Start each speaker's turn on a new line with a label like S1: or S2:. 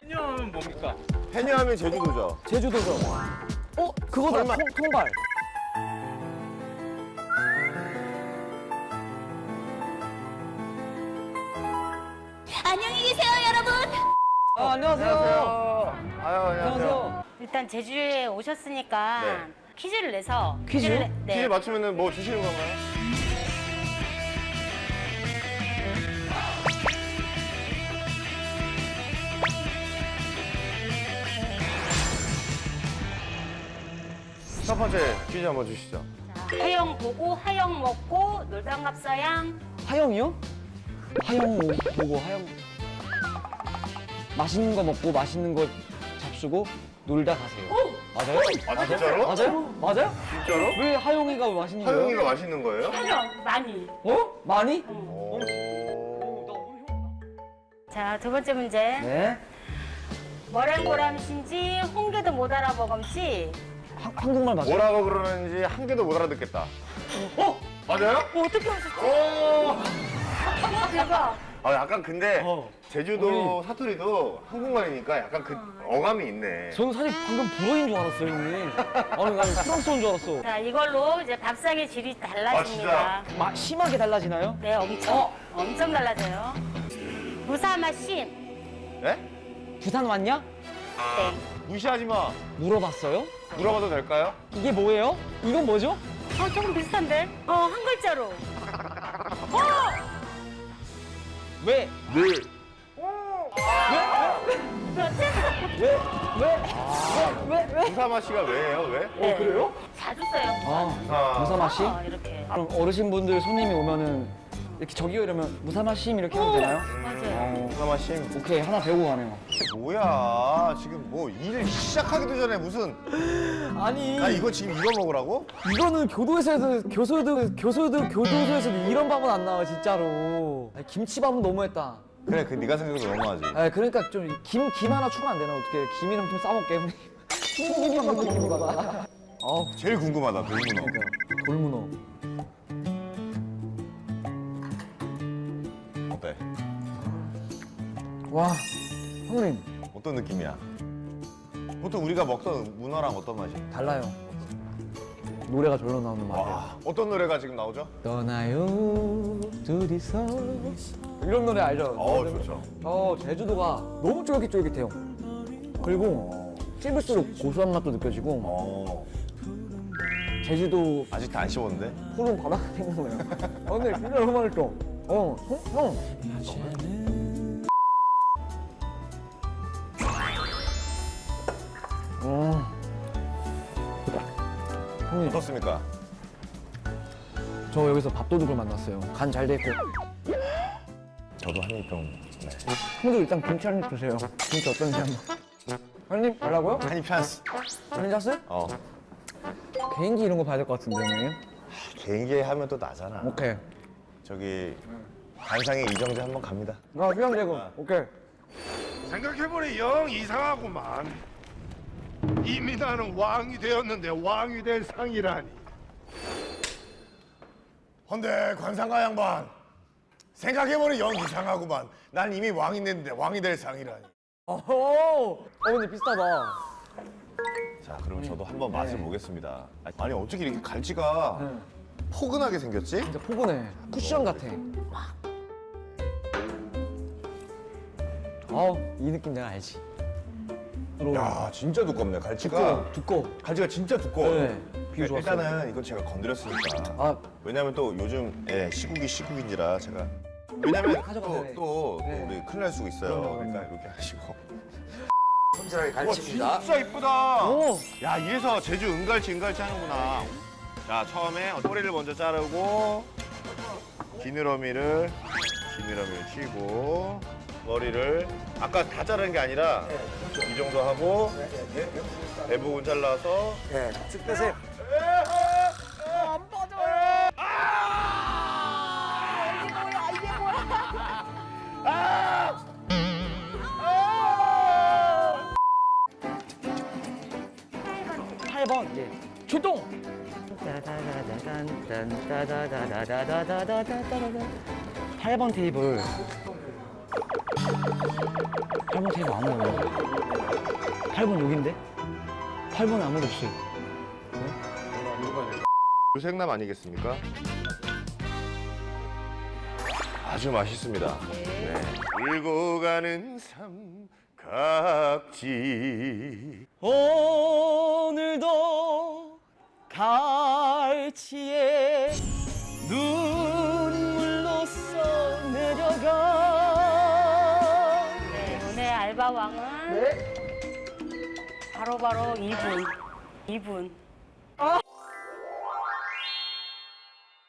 S1: 해녀하면 뭡니까?
S2: 해녀하면 제주도죠.
S3: 제주도죠. 그거다.
S2: 설마.
S3: 통발.
S4: 안녕히 계세요, 여러분.
S3: 안녕하세요.
S2: 아유,
S3: 안녕하세요.
S4: 일단 제주에 오셨으니까
S2: 네.
S4: 퀴즈를 내서
S3: 퀴즈요?
S4: 네.
S2: 퀴즈 맞추면은 뭐 주시는 건가요? 첫 번째 퀴즈 한번 주시죠.
S4: 자, 하영 보고 하영 먹고 놀당 갑사양.
S3: 하영이요? 하영 보고 하영. 맛있는 거 먹고 맛있는 거 잡수고 놀다 가세요. 맞아요?
S2: 아, 진짜로?
S3: 맞아요? 맞아요?
S2: 진짜로?
S3: 왜 하영이가 맛있는 거예요?
S2: 하영이가 맛있는 거예요?
S4: 하영 많이.
S3: 어? 많이?
S2: 오.
S4: 자, 두 번째 문제.
S3: 네.
S4: 머랭고람신지 홍게도 못 알아보검지.
S3: 한국말 맞아요?
S2: 뭐라고 그러는지 한 개도 못 알아듣겠다. 맞아요?
S4: 어떻게 하셨지?
S2: 오!
S4: 대박.
S2: 약간 근데
S3: 어.
S2: 제주도 사투리도 한국말이니까 약간 그 어감이 있네.
S3: 저는 사실 방금 불어인 줄 알았어요, 형님. 아니, 나는 프랑스어인 줄 알았어.
S4: 자, 이걸로 이제 밥상의 질이 달라집니다.
S3: 심하게 달라지나요?
S4: 네, 엄청. 엄청 달라져요. 무사마심.
S2: 네?
S3: 부산 왔냐?
S4: 네.
S2: 무시하지 마.
S3: 물어봤어요?
S2: 물어봐도 될까요?
S3: 이게 뭐예요? 이건 뭐죠?
S4: 조금 비슷한데? 한 글자로.
S3: 왜?
S2: 네.
S3: 왜?
S2: 무사마 씨가 왜예요? 왜?
S4: 네.
S3: 그래요?
S4: 자주 써요.
S3: 아, 무사마씨?
S4: 이렇게.
S3: 그럼 어르신분들 손님이 오면은 이렇게 저기요 이러면 무사마심 이렇게 하면 되나요?
S4: 맞아요.
S2: 무사마 씨.
S3: 오케이, 하나 배우고 가네요.
S2: 뭐야? 지금 뭐 일 시작하기도 전에 무슨
S3: 아니,
S2: 나 이거 지금 이거 먹으라고?
S3: 이거는 교도소에서도 이런 밥은 안 나와, 진짜로. 아니, 김치밥은 너무했다.
S2: 그래, 그 네가 생각해도 너무하지.
S3: 아, 그러니까 좀 김 하나 추가 안 되나? 어떻게 김이랑 좀 싸먹게, 우리. 김밥 느낌이다.
S2: 제일 궁금하다, 돌문어.
S3: 돌문어.
S2: 어때?
S3: 와, 형님
S2: 어떤 느낌이야? 보통 우리가 먹던 문어랑 어떤 맛이야?
S3: 달라요. 노래가 절로 나오는 맛이에요.
S2: 와, 어떤 노래가 지금 나오죠?
S3: 떠나요 둘이서 이런 노래 알죠?
S2: 좋죠.
S3: 제주도가 너무 쫄깃쫄깃해요. 그리고 씹을수록 고소한 맛도 느껴지고 제주도
S2: 아직도 안 씹었는데?
S3: 푸른 바다가 생긴 거예요. 근데 진짜 너무 맛있어. 형. 형님,
S2: 어떻습니까?
S3: 저 여기서 밥도둑을 만났어요. 간 잘 돼 있고.
S2: 저도 한입 좀. 네.
S3: 형도 일단 김치 한 입 드세요. 김치 어떤지 한번. 한 입 달라고요?
S2: 한입 찬스.
S3: 괜찮았어요? 개인기 이런 거 봐야 될 것 같은데, 형님.
S2: 개인기 하면 또 나잖아.
S3: 오케이.
S2: 저기 관상의 이정재 한번 갑니다.
S3: 나 휴양대금. 오케이.
S5: 생각해보니 영 이상하구만. 이미 나는 왕이 되었는데 왕이 될 상이라니.
S2: 헌데 관상가 양반. 생각해보니 영 이상하구만. 난 이미 왕이 됐는데 왕이 될 상이라니.
S3: 근데 비슷하다.
S2: 자, 그럼 저도 한번 맛을 보겠습니다. 아니 어떻게 이렇게 갈치가 포근하게 생겼지?
S3: 진짜 포근해. 쿠션 같아. 이 느낌 내가 알지.
S2: 야, 진짜 두껍네. 갈치가
S3: 두꺼워.
S2: 갈치가 진짜 두꺼워.
S3: 네, 비유 좋았어요.
S2: 일단은 이건 제가 건드렸으니까.
S3: 아,
S2: 왜냐면 또 요즘 시국인지라 제가. 왜냐면
S3: 가져가세요. 네.
S2: 또
S3: 네.
S2: 우리 큰일 날 수가 있어요.
S3: 그럼요.
S2: 그러니까 이렇게 하시고. 손질하게
S3: 와,
S2: 갈치입니다. 진짜 이쁘다.
S3: 오.
S2: 야, 이래서 제주 은갈치 하는구나. 자, 처음에 꼬리를 먼저 자르고 지느러미를 치고 머리를 아까 다 자르는 게 아니라 이 정도 하고 대부분 잘라서
S3: 쭉 빼세요. 팔 번 예. 출동! 8번 테이블. 8번 테이블 아무도 없네. 8번 여긴데? 8번에 아무도 없어요.
S2: 물생남 아니겠습니까? 아주 맛있습니다. 네. 울고 가는 삼각지.
S3: 오늘도 갈치에 눈물로 써내려가.
S4: 네, 오늘 알바왕은 바로바로 이분.